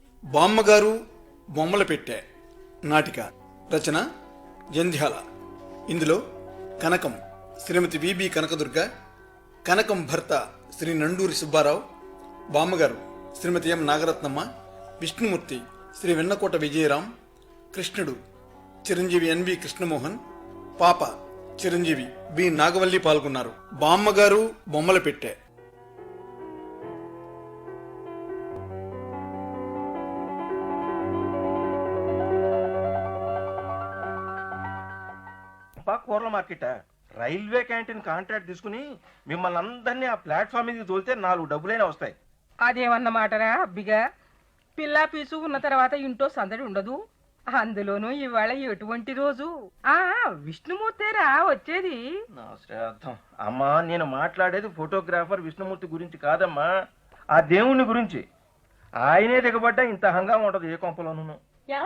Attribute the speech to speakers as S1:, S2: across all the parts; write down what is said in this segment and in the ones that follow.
S1: బామ్మగారు బొమ్మల పెట్టె నాటిక రచన జంధ్యాల. ఇందులో కనకం శ్రీమతి విబి కనకదుర్గ, కనకం భర్త శ్రీ నండూరి సుబ్బారావు, బామ్మగారు శ్రీమతి ఎం నాగరత్నమ్మ, విష్ణుమూర్తి శ్రీ వెన్నకోట విజయరాం, కృష్ణుడు చిరంజీవి ఎన్వి కృష్ణమోహన్, పాప చిరంజీవి బి నాగవల్లి పాల్గొన్నారు. బామ్మగారు బొమ్మల పెట్టె.
S2: కూరల మార్కెట్ రైల్వే క్యాంటీన్ కాంట్రాక్ట్ తీసుకుని మిమ్మల్ని అందరినీ ఆ ప్లాట్ఫామ్ మీద తోలితే 4 డబ్బులైనా వస్తాయి.
S3: అదేమన్నమాటరా అబ్బిగా, పిల్ల పీసు ఉన్న తర్వాత ఇంట్లో సందడి ఉండదు. అందులోనూ ఇవాళ ఎటువంటి రోజు? విష్ణుమూర్తేరా వచ్చేది.
S2: నా శ్రాద్ధం అమ్మా, నేను మాట్లాడేది ఫోటోగ్రాఫర్ విష్ణుమూర్తి గురించి కాదమ్మా, ఆ దేవుణ్ణి గురించి. ఆయనే దిగబడ్డా ఇంత హంగామా ఉండదు ఏ కొంపలోనూ.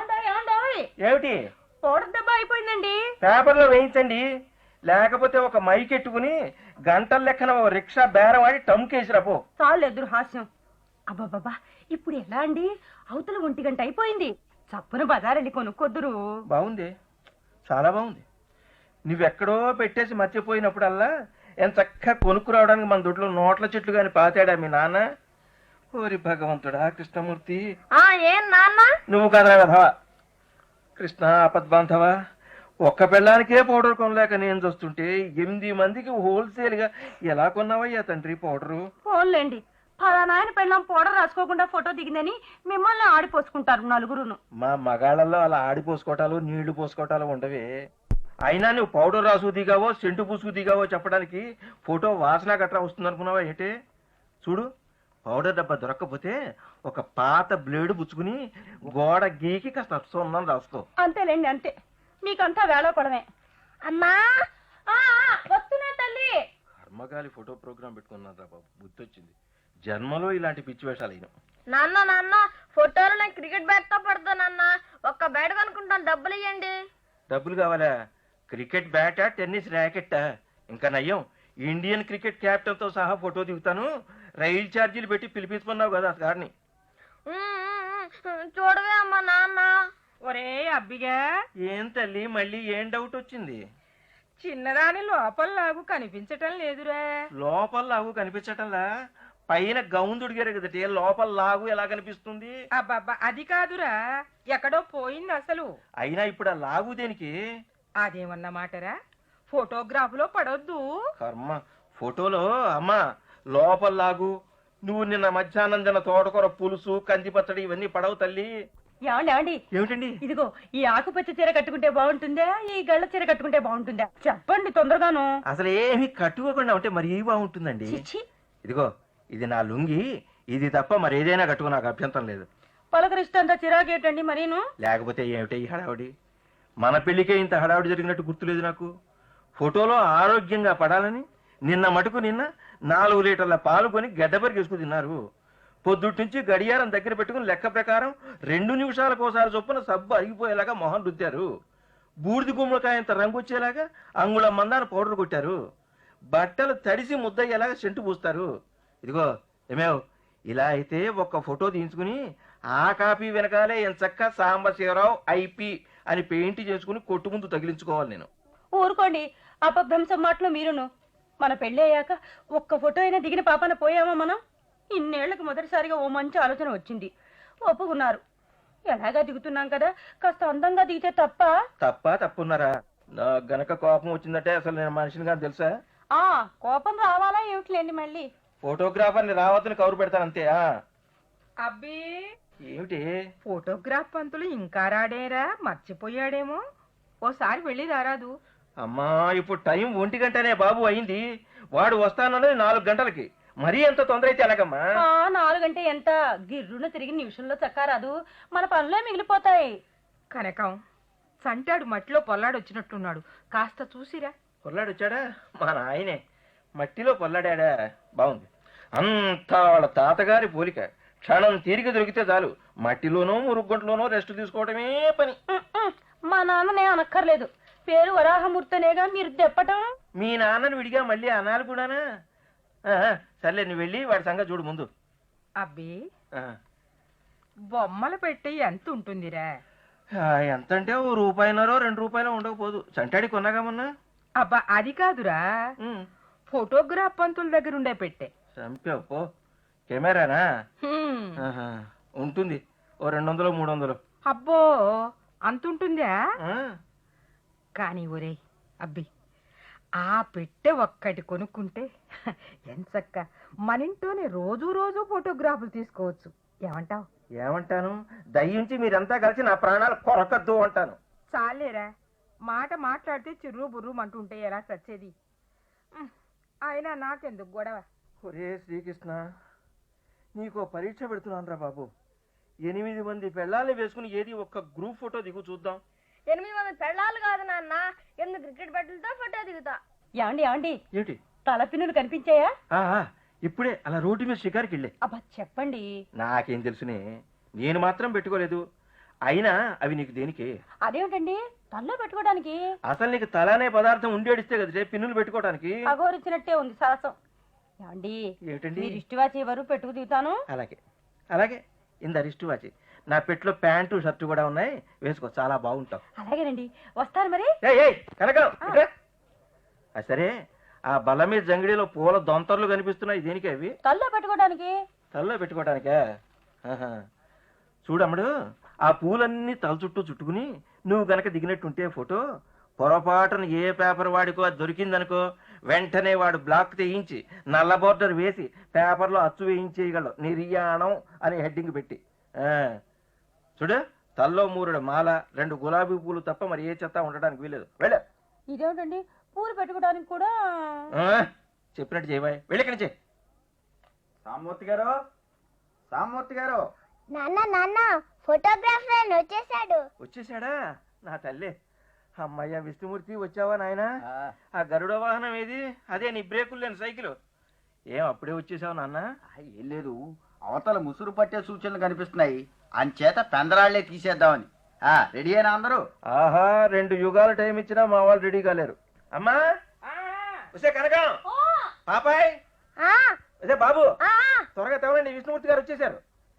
S2: ఏమిటి?
S3: పౌడర్ దెబ్బ అయిపోయిందండి.
S2: పేపర్లో వేయించండి, లేకపోతే ఒక మైక్ ఎట్టుకుని గంటల లెక్కన రిక్షా బేరం ఆడి టమ్కేసి రాపో.
S3: చాలు ఎదురు హాస్యం. అబ్బాబాబా, ఇప్పుడు ఎలా అండి? అవతల 1 గంట అయిపోయింది. చప్పున బజారెళ్ళి కొనుక్కొద్దురు.
S2: బాగుంది, చాలా బాగుంది. నువ్వెక్కడో పెట్టేసి మర్చిపోయినప్పుడల్లా ఎంత చక్కగా కొనుక్కురావడానికి మన దొడ్లో నోట్ల చెట్లు గాని పాతాడా మీ నాన్న? ఓరి భగవంతుడా కృష్ణమూర్తి.
S3: ఏం నాన్న?
S2: నువ్వు కదరా వెధవా. కృష్ణ ఆపద్బాంధవ, ఒక్క పెళ్ళానికే పౌడర్ కొనలేక నేను చూస్తుంటే 8 మందికి హోల్సేల్ గా ఎలా కొన్నావయ్యా తండ్రి పౌడరు?
S3: ఫోన్లేండి, ఫలానాయన పెళ్ళాం పౌడర్ రాసుకోకుండా ఫోటో దిగిందని మిమ్మల్ని ఆడిపోసుకుంటారు నలుగురును.
S2: మా మగాళ్ళల్లో అలా ఆడిపోసుకోవటాలు నీళ్లు పోసుకోవటాలు ఉండవే. అయినా నువ్వు పౌడర్ రాసు దిగావో సెంటు పూసుకు దిగావో చెప్పడానికి ఫోటో వాసన గట్రా వస్తుంది అనుకున్నావా ఏంటే? చూడు, పౌడర్ డబ్బా దొరక్కపోతే ఒక పాత బ్లేడు పుచ్చుకుని గోడ గీకి కాస్త సున్నం రాసుకో.
S3: అంతేలేండి, అంతే. మీకంతా వేళ పడమే. అమ్మా వస్తున్నా తల్లి.
S2: కర్మగాలి ఫోటో ప్రోగ్రామ్ పెట్టుకున్నాను రా బాబు, బుద్ధి వచ్చింది. జన్మలో ఇలాంటి పిచ్చి వేషాలు అయినా.
S4: నాన్న ఫోటోలు నేను క్రికెట్ బ్యాట్ తో పడతా నాన్న. ఒక్క బ్యాట్ కొనుక్కుంటాను, డబ్బులు ఇవ్వండి.
S2: డబ్బులు కావాలా? క్రికెట్ బ్యాటా టెన్నిస్ ర్యాకెట్టా? ఇంకా నయ్యం, ఇండియన్ క్రికెట్ క్యాప్టెన్ తో సహా ఫోటో దిగుతాను. రైలు ఛార్జీలు పెట్టి పిలిపించుకున్నావు కదా గారిని.
S4: చూడవే అమ్మా నాన్న.
S3: ఒరే అబ్బిగా,
S2: ఏం తల్లి మళ్ళీ ఏం డౌట్ వచ్చింది?
S3: చిన్నదాని లోపల లాగు కనిపించటం లేదురా.
S2: లోపల లాగు కనిపించటంలా? పైన గౌన్ దుడిగారు కదటే, లోపల లాగు ఎలా కనిపిస్తుంది?
S3: అబ్బబ్బా, అది కాదురా, ఎక్కడో పోయింది అసలు.
S2: అయినా ఇప్పుడు ఆ లాగు దేనికి?
S3: అదేమన్నమాటరా, ఫోటోగ్రాఫ్ లో పడొద్దు.
S2: కర్మ, ఫోటోలో అమ్మా లోపల లాగు. నువ్వు నిన్న మధ్యాహ్నం తిన్న తోటకూర పులుసు కంది పచ్చడి ఇవన్నీ పడవు తల్లి.
S3: ఏమండి
S2: ఏమిటండి?
S3: ఇదిగో ఈ ఆకుపచ్చ చీర కట్టుకుంటే బాగుంటుందా, ఈ గళ్ళ చీర కట్టుకుంటే బాగుంటుందా? చెప్పండి తొందరగాను.
S2: అసలు ఏమి కట్టుకోకుండా ఉంటే మరి బాగుంటుందండి. ఇదిగో ఇది నా లుంగి, ఇది తప్ప మరి ఏదైనా కట్టుకో, నాకు అభ్యంతరం లేదు.
S3: పలకరిస్తంత చిరాకేటండి మరీను.
S2: లేకపోతే ఏమిటే ఈ హడావుడి? మన పెళ్లికే ఇంత హడావుడి జరిగినట్టు గుర్తులేదు నాకు. ఫోటోలో ఆరోగ్యంగా పడాలని నిన్న 4 లీటర్ల పాలు కొని గడ్డపరికేసుకు తిన్నారు. పొద్దుటి నుంచి గడియారం దగ్గర పెట్టుకుని లెక్క ప్రకారం 2 నిమిషాలకోసారి చొప్పున సబ్బు అరిగిపోయేలాగా మొహం రుద్దారు. బూడిది గుమ్మడికాయంత రంగు వచ్చేలాగా అంగుళం మందాన పౌడర్ కొట్టారు. బట్టలు తడిసి ముద్దయ్యేలాగా సెంటు పూస్తారు. ఇదిగో ఏమేవ్, ఇలా అయితే ఒక్క ఫోటో తీయించుకుని ఆ కాపీ వెనకాలే ఎంచక్క సాంబశివరావు ఐపీ అని పెయింట్ చేసుకుని కొట్టు ముందు తగిలించుకోవాలి నేను.
S3: ఊరుకోండి, అపభ్రంశం మాటలు మీరును. మన పెళ్లి అయ్యాక ఒక్క ఫోటో అయినా దిగిన పాపన పోయామా మనం? ఇన్నేళ్లకు మొదటిసారిగా ఓ మంచి ఆలోచన వచ్చింది, ఒప్పుకున్నారు. ఎలాగా దిగుతున్నాం కదా, కాస్త అందంగా దిగితే
S2: తప్పున్నారా? నా గనక కోపం వచ్చిందంటే అసలు నేను మనిషిని కాదు తెలుసా?
S3: కోపం రావాలా ఏమిటిలేండి మళ్ళీ.
S2: ఫోటోగ్రాఫర్ని రావద్దని కౌరు పెడతానంతే.
S3: అబ్బి
S2: ఏమిటి?
S3: ఫోటోగ్రాఫ్ పంతులు ఇంకా రాడేరా, మర్చిపోయాడేమో. ఓసారి వెళ్ళి రారాదు.
S2: అమ్మా, ఇప్పుడు టైం 1 గంటనే బాబు అయింది. వాడు వస్తానన్నది 4 గంటలకి. మరీ ఎంత తొందర అయితే ఎలాగమ్మా?
S3: 4 గంటే ఎంత? గిర్రున తిరిగి నిమిషంలో చక్కారాదు, మన పనులే మిగిలిపోతాయి. కనకం, సంటాడు మట్టిలో పొల్లాడు వచ్చినట్టున్నాడు, కాస్త చూసిరా.
S2: పొల్లాడు వచ్చాడా? మా నాయనే మట్టిలో పొల్లాడా? బాగుంది. అంతా వాళ్ళ తాతగారి పోలిక. క్షణం తీరిక దొరికితే చాలు మట్టిలోనో మురుగుంటలోనో రెస్ట్ తీసుకోవడమే పని.
S3: మా నాన్ననే అనక్కర్లేదు, పేరు వరాహమూర్తనేగా మీరు తెప్పటం.
S2: మీ నాన్నని విడిగా మళ్ళీ అనాలి కూడానా? సర్లే, నువ్వు వెళ్ళి వాడి సంగతి చూడు ముందు.
S3: అబ్బి,
S5: బొమ్మలు పెట్టి ఎంత ఉంటుందిరా?
S2: ఎంత అంటే ఓ రూపాయినరో 2 రూపాయలు ఉండకపోదు. చంటాడి కొన్నాగా మొన్న.
S5: అబ్బా అది కాదురా, ఫోటోగ్రాఫ్ పంతుల దగ్గర ఉండే పెట్టే.
S2: చంపావు పో. కెమెరానా?
S5: హ్మ్.
S2: ఆహా. ఉంటుంది ఓ 200 300.
S5: అబ్బో అంతుంటుందా?
S2: ఆ,
S5: కానీ ఒరే అబ్బి, ఆ పెట్టె ఒక్కటి కొనుక్కుంటే ఎంచక్క మన ఇంట్లోనే రోజు రోజు ఫోటోగ్రాఫ్లు తీసుకోవచ్చు. ఏమంటావ్?
S2: ఏమంటాను, దయ్యుంచి మీరంతా కలిసి నా ప్రాణాలు కొరకద్దు అంటాను.
S5: చాలేరా, మాట మాట్లాడితే చిర్రు బుర్రు అంటుంటే ఎలా చచ్చేది? అయినా నాకెందుకు గొడవ?
S2: ఒరే శ్రీకృష్ణ, నీకు పరీక్ష పెడుతున్నాను రా బాబు. 8 మంది పెళ్ళాలని వేసుకుని ఏది ఒక్క గ్రూప్ ఫోటో దిగు చూద్దాం.
S4: 8 మంది పెళ్ళాలు కాదు నాన్న, 8 క్రికెట్ బ్యాట్లతో ఫోటో దిగుతా.
S3: యాండి యాండి
S2: ఏంటి?
S3: తలపిన్నులు కనిపించాయా?
S2: ఇప్పుడే అలా రోడ్డు మీద షికారుకి వెళ్ళే.
S3: అబ్బా చెప్పండి.
S2: నాకేం తెలుసునే, నేను మాత్రం పెట్టుకోలేదు. అయినా అవి నీకు దేనికి?
S3: అదేమిటండి తల్లో పెట్టుకోవడానికి?
S2: అసలు నీకు తలానే పదార్థం ఉండేడిస్తే కదా పిన్నులు పెట్టుకోవడానికి.
S3: అగోరిచ్చినట్టే ఉంది సరసం. యాండి
S2: ఏమిటండి?
S3: మీరు ఇష్టవాచి ఎవరు పెట్టుకు దిగుతాను.
S2: అలాగే అలాగే, ఇంద రిస్ట్ వాచి. నా పెట్లో ప్యాంటు షర్టు కూడా ఉన్నాయి, వేసుకో, చాలా బాగుంటావు.
S3: అలాగేనండి, వస్తారు మరి.
S2: కనకం ఇట్రా. సరే, ఆ బల్ల మీద జంగిడిలో పూల దొంతర్లు కనిపిస్తున్నాయి, దేనికి అవి?
S3: తల్లో పెట్టుకోవడానికి.
S2: తలలో పెట్టుకోవడానికా? ఆహా. చూడమ్ముడు, ఆ పూలన్నీ తల చుట్టూ చుట్టుకుని నువ్వు గనక దిగినట్టుంటే ఫోటో, పొరపాటున ఏ పేపర్ వాడికో అది దొరికిందనుకో, వెంటనే వాడు బ్లాక్ తెయించి నల్ల బోర్డర్ వేసి పేపర్లో అచ్చు వేయించేయగలడు, నిర్యాణం అని హెడ్డింగ్ పెట్టి. చూడు, తల్లో 3 మాల 2 గులాబీ పూలు తప్ప మరి ఏ చెత్త ఉండడానికి వీలేదు. వెళ్ళ.
S3: ఇదేమిటండి పూలు పెట్టుకోవడానికి కూడా?
S2: చెప్పినట్టు చేయబాయ్, వెళ్ళి నుంచి.
S6: సామూర్తి గారు, సామూర్తి గారు.
S4: నాన్న నాన్న, ఫోటోగ్రాఫర్ వచ్చేసాడు.
S2: వచ్చేసాడా? నా తల్లి. అమ్మయ్య విష్ణుమూర్తి, వచ్చావా నాయనా? ఆ గరుడ వాహనం ఏది? అదే నీ బ్రేకులు లేని సైకిల్. ఏం అప్పుడే వచ్చేసావు నాన్న?
S6: ఏం లేదు, అవతల ముసురు పట్టే సూచనలు కనిపిస్తున్నాయి, అంచేత పెందరాళ్లే తీసేద్దామని. రెడీ అయినా అందరూ?
S2: ఆహా, 2 యుగాలు టైం ఇచ్చినా మా వాళ్ళు రెడీ కాలేరు. అమ్మా, వస్తే కనకం, పాపాయ్, వస్తే బాబు, త్వరగా తెవరండి, విష్ణుమూర్తి గారు వచ్చేసారు.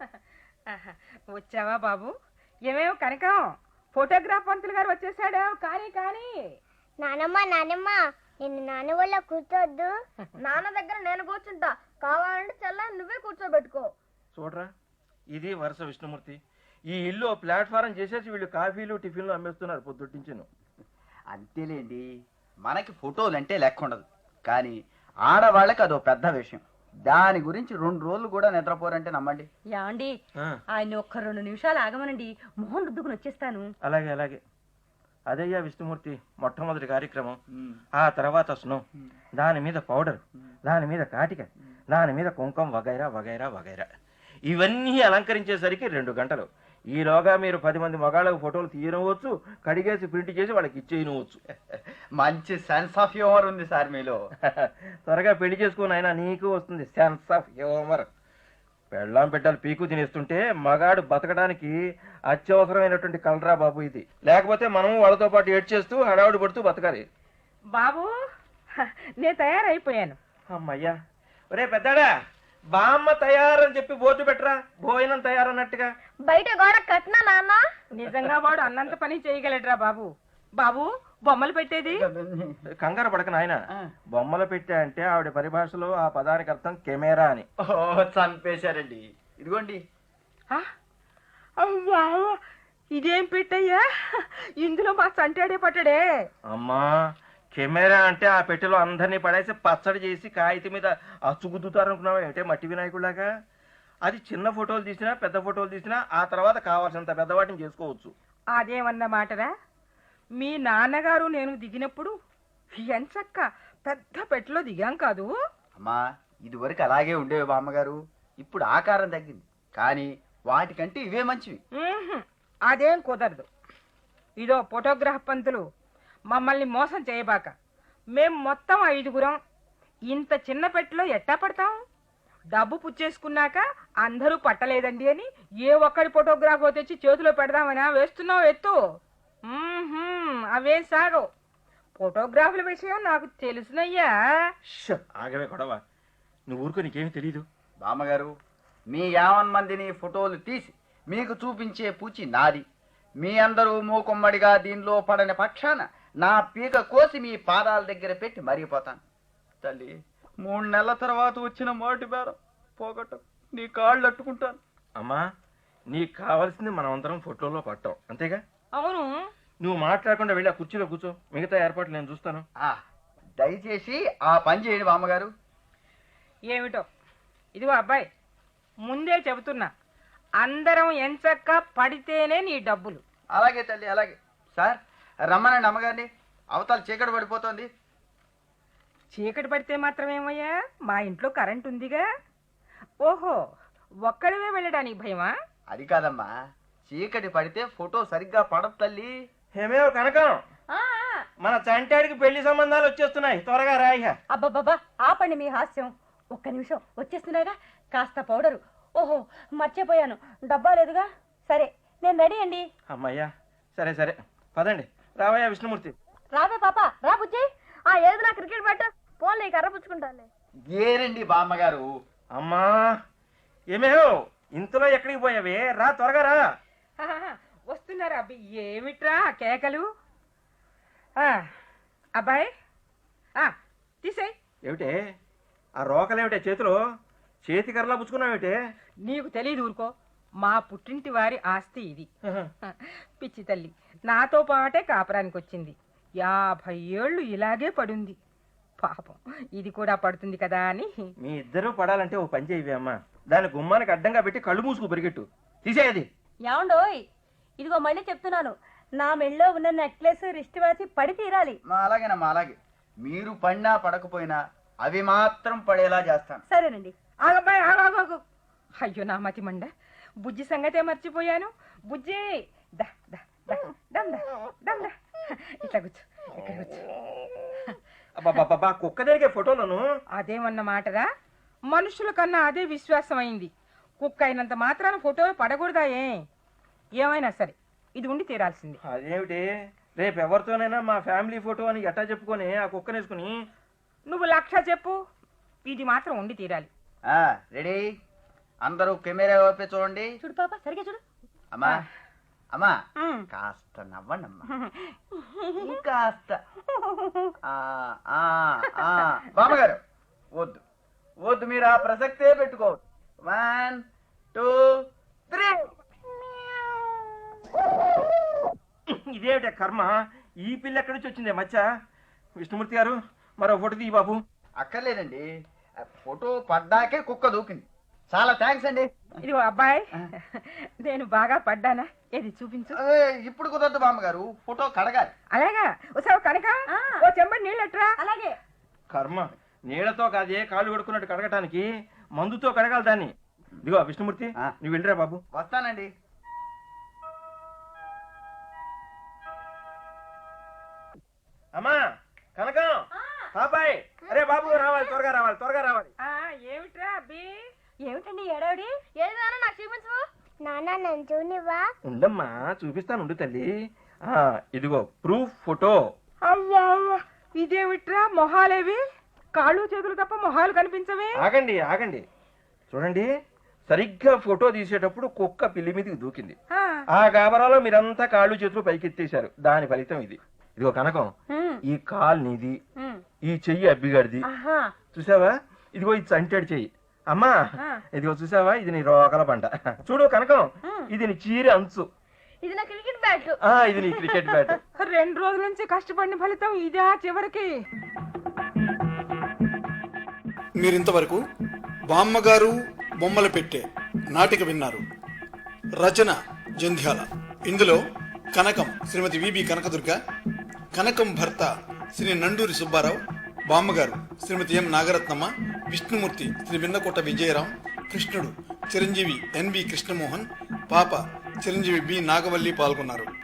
S5: వచ్చావా బాబు? ఏమేమో కనకం, ఫోటోగ్రాఫ్ పంతులు గారు వచ్చేసాడు. కానీ కానీ
S4: నానమ్మ నానమ్మ, నిన్ను నాన్న వల్ల కూర్చోద్దు. నాన్న దగ్గర నేను కూర్చుంటా, కావాలంటే చెల్లని నువ్వే కూర్చోబెట్టుకో.
S2: చూడరా, ఇది వరుస విష్ణుమూర్తి. ఈ ఇల్లు ప్లాట్ఫారం చేసేసి వీళ్ళు కాఫీలు టిఫిన్లు అమ్మేస్తున్నారు పొద్దుటించిను.
S6: అంతేలేండి, మనకి ఫోటోలు అంటే లెక్క ఉండదు, కానీ ఆడవాళ్ళకి అదో పెద్ద విషయం. దాని గురించి 2 రోజులు కూడా నిద్రపోరంటే నమ్మండి.
S3: యాండి ఆయన ఒక్క 2 నిమిషాలు ఆగమనండి, మొహం రుద్దుకుని వచ్చేస్తాను.
S2: అలాగే అలాగే. అదయ్యా విష్ణుమూర్తి మొట్టమొదటి కార్యక్రమం. ఆ తర్వాత స్నో, దాని మీద పౌడర్, దాని మీద కాటిక, దాని మీద కుంకం, వగైరా వగైరా వగైరా. ఇవన్నీ అలంకరించేసరికి 2 గంటలు. ఈలోగా మీరు 10 మంది మగాళ్ళకు ఫోటోలు తీయనవచ్చు, కడిగేసి ప్రింట్ చేసి వాళ్ళకి ఇచ్చేయనవచ్చు.
S6: మంచి సెన్స్ ఆఫ్ హ్యూమర్ ఉంది సార్ మీలో.
S2: త్వరగా పెళ్లి చేసుకుని అయినా నీకు వస్తుంది సెన్స్ ఆఫ్ హ్యూమర్. పెళ్ళాం పెట్టాలి పీకు తినేస్తుంటే మగాడు బతకడానికి అత్యవసరమైనటువంటి కలరా బాబు ఇది. లేకపోతే మనం వాళ్ళతో పాటు ఏడ్చేస్తూ హడావుడి పడుతూ బతకాలి.
S5: బాబు, నేను తయారైపోయాను.
S2: అమ్మయ్యా. ఒరే పెద్దాడా, బామ్మ తయారని చెప్పి బోర్డు పెట్టరా, భోజనం తయారన్నట్టుగా.
S4: బయట గోడ కట్టినా నాన్న?
S5: నిజంగా వాడు అన్నంత పని చేయగలడ్రా బాబు. బాబు, బొమ్మలు పెట్టేది?
S2: కంగారు పడక నాయన, బొమ్మలు పెట్టా అంటే ఆవిడ పరిభాషలో ఆ పదానికి అర్థం కెమెరా అని.
S6: చంపేశారండి. ఇదిగోండి.
S5: అవ్వా, ఇదేం పెట్టయ్యా? ఇందులో మా సంటాడే పట్టడే.
S2: అమ్మా, కెమెరా అంటే ఆ పెట్టెలో అందరినీ పడేసి పచ్చడి చేసి కాగితం మీద అచ్చుగుద్దుతారు అనుకున్నావా ఏమిటే మట్టి వినాయకుడిలాగా? అది చిన్న ఫోటోలు తీసినా పెద్ద ఫోటోలు తీసినా ఆ తర్వాత కావాల్సినంత పెద్దవాటిని చేసుకోవచ్చు.
S5: అదేమన్న మాటరా? మీ నాన్నగారు నేను దిగినప్పుడు ఎంచక్క పెద్ద పెట్టెలో దిగాం కాదు?
S6: అమ్మా, ఇదివరకు అలాగే ఉండేవి బామ్మగారు, ఇప్పుడు ఆకారం తగ్గింది, కానీ వాటికంటే ఇవే మంచివి.
S5: అదేం కుదరదు. ఇదో ఫోటోగ్రాఫ్ పంతులు, మమ్మల్ని మోసం చేయబాక. మేం మొత్తం 5గురం. ఇంత చిన్న పెట్టెలో ఎట్టా పడతాం? డబ్బు పుచ్చేసుకున్నాక అందరూ పట్టలేదండి అని ఏ ఒక్కడి ఫోటోగ్రాఫ్ తెచ్చి చేతిలో పెడదామని వేస్తున్నావు ఎత్తు. అవేం సాగవు. ఫోటోగ్రాఫ్ల విషయం నాకు తెలుసునయ్యా.
S2: ఆగవే గొడవ, నువ్వు ఊరుకో, నీకేమీ తెలీదు.
S6: బామ్మగారు, మీ 50 మందిని ఫోటోలు తీసి మీకు చూపించే పూచి నాది. మీ అందరూ మూకుమ్మడిగా దీనిలో పడని పక్షాన నా పీక కోసి మీ పాదాల దగ్గర పెట్టి మరిగిపోతాను. తల్లి, 3 నెలల తర్వాత వచ్చిన మొదటి బేరం పోగొట్టు, నీ కాళ్ళు అట్టుకుంటాను.
S2: అమ్మా, నీకు కావాల్సింది మనం అందరం ఫోటోలో పట్టాం, అంతేగా?
S5: అవును.
S2: నువ్వు మాట్లాడకుండా వెళ్ళి ఆ కుర్చీలో కూర్చో, మిగతా ఏర్పాట్లు నేను చూస్తాను.
S6: దయచేసి ఆ పని చేయండి బామ్మగారు.
S5: ఏమిటో, ఇదిగో అబ్బాయి, ముందే చెబుతున్నా, అందరం ఎంచక్క పడితేనే నీ డబ్బులు.
S6: అలాగే తల్లి, అలాగే. సార్, రమ్మనండి అమ్మగారిని, అవతల చీకటి పడిపోతుంది.
S5: చీకటి పడితే మాత్రమేమయ్యా, మా ఇంట్లో కరెంట్ ఉందిగా. ఓహో, ఒక్కడివే వెళ్ళడానికి భయమా?
S6: అది కాదమ్మా, చీకటి పడితే ఫోటో సరిగ్గా పడదు తల్లి.
S2: ఏమేవో కనకం, మన చంటాడికి పెళ్లి సంబంధాలు వచ్చేస్తున్నాయి, త్వరగా రాయిహ.
S3: అబ్బబ్బబ్బా, ఆపండి మీ హాస్యం. ఒక్క నిమిషం, వచ్చేస్తున్నాయిగా. కాస్త పౌడరు. ఓహో, మర్చిపోయాను, డబ్బా లేదుగా. సరే, నేను రెడీ అండి.
S2: అమ్మయ్యా, సరే సరే, పదండి. రావయ్యా విష్ణుమూర్తి.
S3: రావే పాప, రా బుజ్జి.
S4: ఏది నా క్రికెట్ బ్యాట్ పోన్లే, కర్ర పుచ్చుకుంటానులే.
S6: ఏరండి బామ్మగారు.
S2: అమ్మా, ఏమేవో ఇంతలో ఎక్కడికి పోయావే? రా, త్వరగా రా.
S5: వస్తున్నారా అబ్బి? ఏమిట్రా కేకలు? అబ్బాయి, తీసేయ్.
S2: ఏమిటే ఆ రోకలేమిటే చేతిలో? చేతి కర్రలా పుచ్చుకున్నావేమిటే?
S5: నీకు తెలీదు, ఊరుకో. మా పుట్టింటి వారి ఆస్తి ఇది. పిచ్చి తల్లి నాతో పాటే కాపురానికి వచ్చింది. 50 ఏళ్ళు ఇలాగే పడుంది. పాపం ఇది కూడా పడుతుంది కదా అని.
S2: మీ ఇద్దరూ పడాలంటే ఓ పని చేయవే అమ్మా, దాని గుమ్మానికి అడ్డంగా పెట్టి కళ్ళు మూసుకు పరిగెట్టు. తీసేయది.
S3: ఏమండోయ్, ఇదిగో మళ్ళీ చెప్తున్నాను, నా మెళ్ళో ఉన్న నెక్లెస్, రిస్ట్ వాచి పడి తీరాలి.
S6: అలాగేనమ్మా, అలాగే. మీరు పడినా పడకపోయినా అవి మాత్రం పడేలా చేస్తాను.
S3: సరేనండి.
S5: ఆగబ్బాయి, ఆగాగు. అయ్యో నా మతి మండ, బుజ్జి సంగతే మర్చిపోయాను. బుజ్జి, దా దా దా దమ్ దా దమ్ దా. ఇట్లా కూర్చో, ఇక్కడ కూర్చో.
S2: అబ్బా, కుక్క జరిగే ఫోటోలను
S5: అదేమన్న మాటరా? మనుషుల కన్నా అదే విశ్వాసం అయింది. కుక్క అయినంత మాత్రాన ఫోటో పడకూడదా? ఏమైనా సరే ఇది ఉండి తీరాల్సింది.
S2: అదేమిటి, రేపు ఎవరితోనైనా మా ఫ్యామిలీ ఫోటో అని ఎట్టా చెప్పుకొని ఆ కుక్కనేసుకుని?
S5: నువ్వు 1,00,000 చెప్పు, ఇది మాత్రం ఉండి తీరాలి.
S6: రెడీ? అందరూ కెమెరా వైపే చూడండి.
S3: చూడు పాప, సరిగ్గా చూడు.
S6: అమ్మా అమ్మా, కాస్త నవ్వండమ్మా, కాస్త. బామ్మగారు, వద్దు వద్దు, మీరు ఆ ప్రసక్తే పెట్టుకోవద్దు. 1 2 3.
S2: ఇదేమిటే కర్మ, ఈ పిల్ల ఎక్కడి నుంచి వచ్చిందే మచ్చ? విష్ణుమూర్తి గారు, మరో ఫోటో తీ బాబు.
S6: అక్కర్లేదండి, ఫోటో పడ్డాకే కుక్క దూకింది. చాలా థ్యాంక్స్ అండి.
S5: ఇదిగో అబ్బాయి, నేను బాగా పడ్డానా? ఏది చూపించు.
S6: ఇప్పుడు కుదరదు బామ్మగారు, ఫోటో కడగాలి.
S5: అలాగా? ఒకసారి కనుక ఓ చెంబడి నీళ్ళట్రా.
S3: అలాగే.
S2: కర్మ, నీళ్లతో కాదే కాళ్ళు కడుక్కున్నట్టు కడగటానికి మందుతో కడగాలి దాన్ని. ఇదిగో విష్ణుమూర్తి, నువ్వు వెళ్ళిరా బాబు.
S6: వస్తానండి.
S2: అమ్మా కనకం, పాపాయ్, అరే బాబు రావాలి, త్వరగా రావాలి, త్వరగా రావాలి.
S5: ఏమిట్రా అబ్బి?
S3: ఏమిటండి ఏడావిడి?
S4: ఏది నాకు చూపించు. నాన్న నన్ను చూనివ్వా?
S2: ఉండమ్మా, చూపిస్తాను, ఉండు తల్లి. ఇదిగో ప్రూఫ్ ఫోటో.
S5: అవ్వా, ఇదేమిట్రా మొహాలేవి? కాళ్ళు చేతులు తప్ప మొహాలు కనిపించవే.
S2: ఆగండి ఆగండి, చూడండి. సరిగ్గా ఫోటో తీసేటప్పుడు కుక్క పిల్లి మీదకి దూకింది. ఆ గాబరాలో మీరంతా కాళ్ళు చేతులు పైకెత్తేశారు, దాని ఫలితం ఇది. ఇదిగో కనకం, ఈ కాలు నీది, ఈ చెయ్యి అబ్బిగాడిది, చూసావా? ఇదిగో ఇది చంటాడు చెయ్యి. అమ్మా, ఇదిగో చూసావా? ఇది నీ రోకల పంట. చూడు కనకం, ఇది నీ చీర అంచు.
S4: ఇది నా క్రికెట్ బ్యాట్.
S2: ఇది నీ క్రికెట్ బ్యాట్.
S5: 2 రోజుల నుంచి కష్టపడిన ఫలితం ఇదే చివరికి.
S1: మీరింతవరకు బామ్మగారు బొమ్మల పెట్టే నాటిక విన్నారు. రచన జంధ్యాల. ఇందులో కనకం శ్రీమతి విబి కనకదుర్గ, కనకం భర్త శ్రీ నండూరి సుబ్బారావు, బామ్మగారు శ్రీమతి ఎం నాగరత్నమ్మ, విష్ణుమూర్తి శ్రీ విన్నకోట విజయరాం, కృష్ణుడు చిరంజీవి ఎన్బి కృష్ణమోహన్, పాప చిరంజీవి బి నాగవల్లి పాల్గొన్నారు.